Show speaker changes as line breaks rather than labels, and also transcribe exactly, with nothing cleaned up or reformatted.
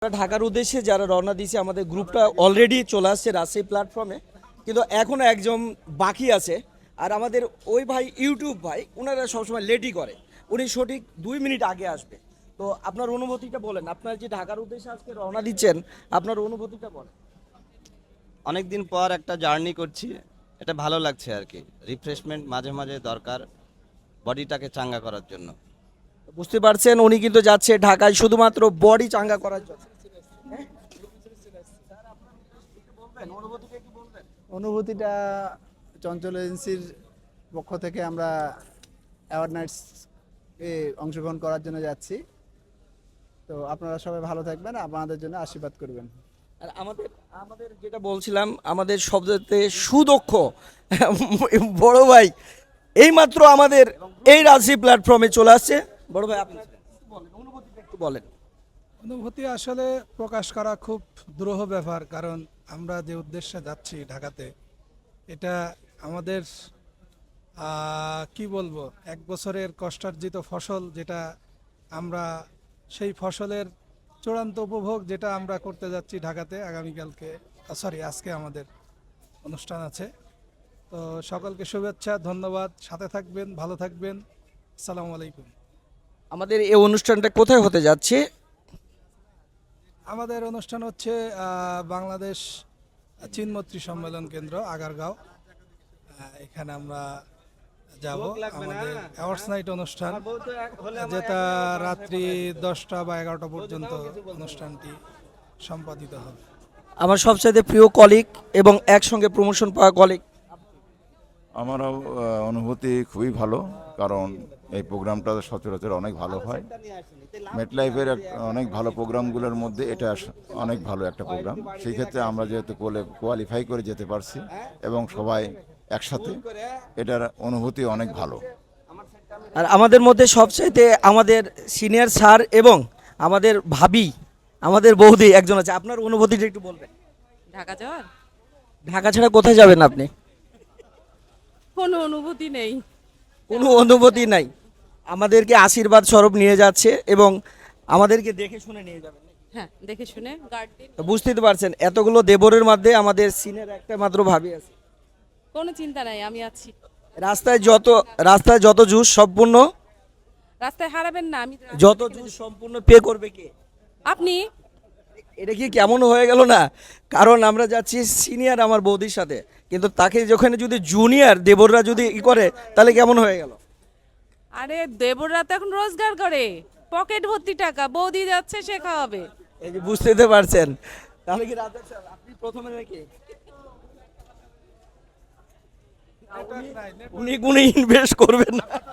আমরা ঢাকার উদ্দেশ্যে যারা রওনা দিয়েছে আমাদের গ্রুপটা অলরেডি চলে আসছে রাজশাহী প্ল্যাটফর্মে, কিন্তু এখনও একজন বাকি আছে। আর আমাদের ওই ভাই ইউটিউব ভাই ওনারা সবসময় লেটই করে, উনি সঠিক দুই মিনিট আগে আসবে। তো আপনার অনুভূতিটা বলেন, আপনার যে ঢাকার উদ্দেশ্যে আজকে রওনা দিচ্ছেন আপনার অনুভূতিটা বলেন।
অনেক দিন পর একটা জার্নি করছি, এটা ভালো লাগছে আর কি। রিফ্রেশমেন্ট মাঝে মাঝে দরকার বডিটাকে চাঙ্গা করার জন্য।
বুঝতে পারছেন উনি কিন্তু যাচ্ছে ঢাকায় শুধুমাত্র বডি চাঙ্গা করার জন্য।
অনুভূতিটা চঞ্চল এজেন্সির পক্ষ থেকে আমরা অ্যাওয়ারনেস এ অংশগ্রহণ করার জন্য যাচ্ছি। তো আপনারা সবাই ভালো থাকবেন, আপনাদের জন্য আশীর্বাদ করবেন।
আর আমাদের আমাদের যেটা বলছিলাম, আমাদের সবচেয়ে সুদক্ষ বড় ভাই এইমাত্র আমাদের এই রাজশাহী প্ল্যাটফর্মে চলে আসছে। বড় ভাই আপনি বলেন, অনুভূতিটা একটু বলেন।
অনুভূতি আসলে প্রকাশ করা খুব দুরূহ ব্যাপার, কারণ আমরা যে উদ্দেশ্যে যাচ্ছি ঢাকাতে, এটা আমাদের আহ, কি বলবো, এক বছরের কষ্টার্জিত ফসল, যেটা আমরা সেই ফসলের চূড়ান্ত উপভোগ যেটা আমরা করতে যাচ্ছি ঢাকাতে। আগামীকালকে সরি আজকে আমাদের অনুষ্ঠান আছে। তো সকলকে শুভেচ্ছা, ধন্যবাদ, সাথে থাকবেন, ভালো থাকবেন, আসসালামু আলাইকুম।
আমাদের এই অনুষ্ঠানটা কোথায় হতে যাচ্ছে?
আমাদের অনুষ্ঠান হচ্ছে আহ, বাংলাদেশ চীনমৈত্রী সম্মেলন কেন্দ্র, আগারগাঁও। আহ, এখানে আমরা যাব আমাদের অ্যাওয়ার্ডস নাইট অনুষ্ঠান, যেটা রাত্রি দশটা বা এগারোটা পর্যন্ত অনুষ্ঠানটি সম্পাদিত হবে।
আমার সবচাইতে প্রিয় কলিগ এবং একসঙ্গে প্রমোশন পাওয়া কলিগ।
আমারও আহ, অনুভূতি খুবই ভালো, কারণ এই প্রোগ্রামটা সচরাচর অনেক ভালো হয়। মেটলাইফের অনেক ভালো প্রোগ্রামগুলোর মধ্যে এটা স- অনেক ভালো একটা প্রোগ্রাম। সেই ক্ষেত্রে আমরা যেহেতু কোয়ালিফাই করে যেতে পারছি এবং সবাই একসাথে, এটার অনুভূতি অনেক ভালো।
আর আমাদের মধ্যে সবচাইতে আমাদের সিনিয়র স্যার এবং আমাদের ভাবি, আমাদের বৌদি একজন আছে। আপনার অনুভূতিটা একটু বলবেন।
ঢাকা যাওয়ার
ঢাকা ছাড়া কোথায় যাবেন আপনি?
কোনো অনুভূতি নেই।
কোনো অনুভূতি নাই। আমাদেরকে আশীর্বাদ স্বরূপ নিয়ে যাচ্ছে এবং আমাদেরকে দেখে শুনে নিয়ে যাবেন।
হ্যাঁ, দেখে শুনে গার্ড দিন।
তো বুঝতেই তো পারছেন এতগুলো দেবরের মধ্যে আমাদের সিনিয়র একটা মাত্র ভাবি আছে।
কোনো চিন্তা নাই, আমি আছি।
রাস্তায় যত রাস্তায় যত জুস সম্পূর্ণ
রাস্তায় হারাবেন না, আমি
যত জুস সম্পূর্ণ পে করবে কে?
আপনি।
এটা কি কেমন হয়ে গেল না? কারণ আমরা যাচ্ছি সিনিয়র আমার বৌদির সাথে, কিন্তু তাকে যখন যদি জুনিয়র দেবররা যদি ই করে তাহলে কেমন হয়ে গেল?
আরে দেবররা তো এখন রোজগার করে, পকেট ভর্তি টাকা, বৌদি যাচ্ছে সে খাওয়াবে।
এই যে বুঝতেই তো পারছেন। তাহলে কি রাজা স্যার আপনি প্রথমে নাকি উনি কোনো ইনভেস্ট করবেন না?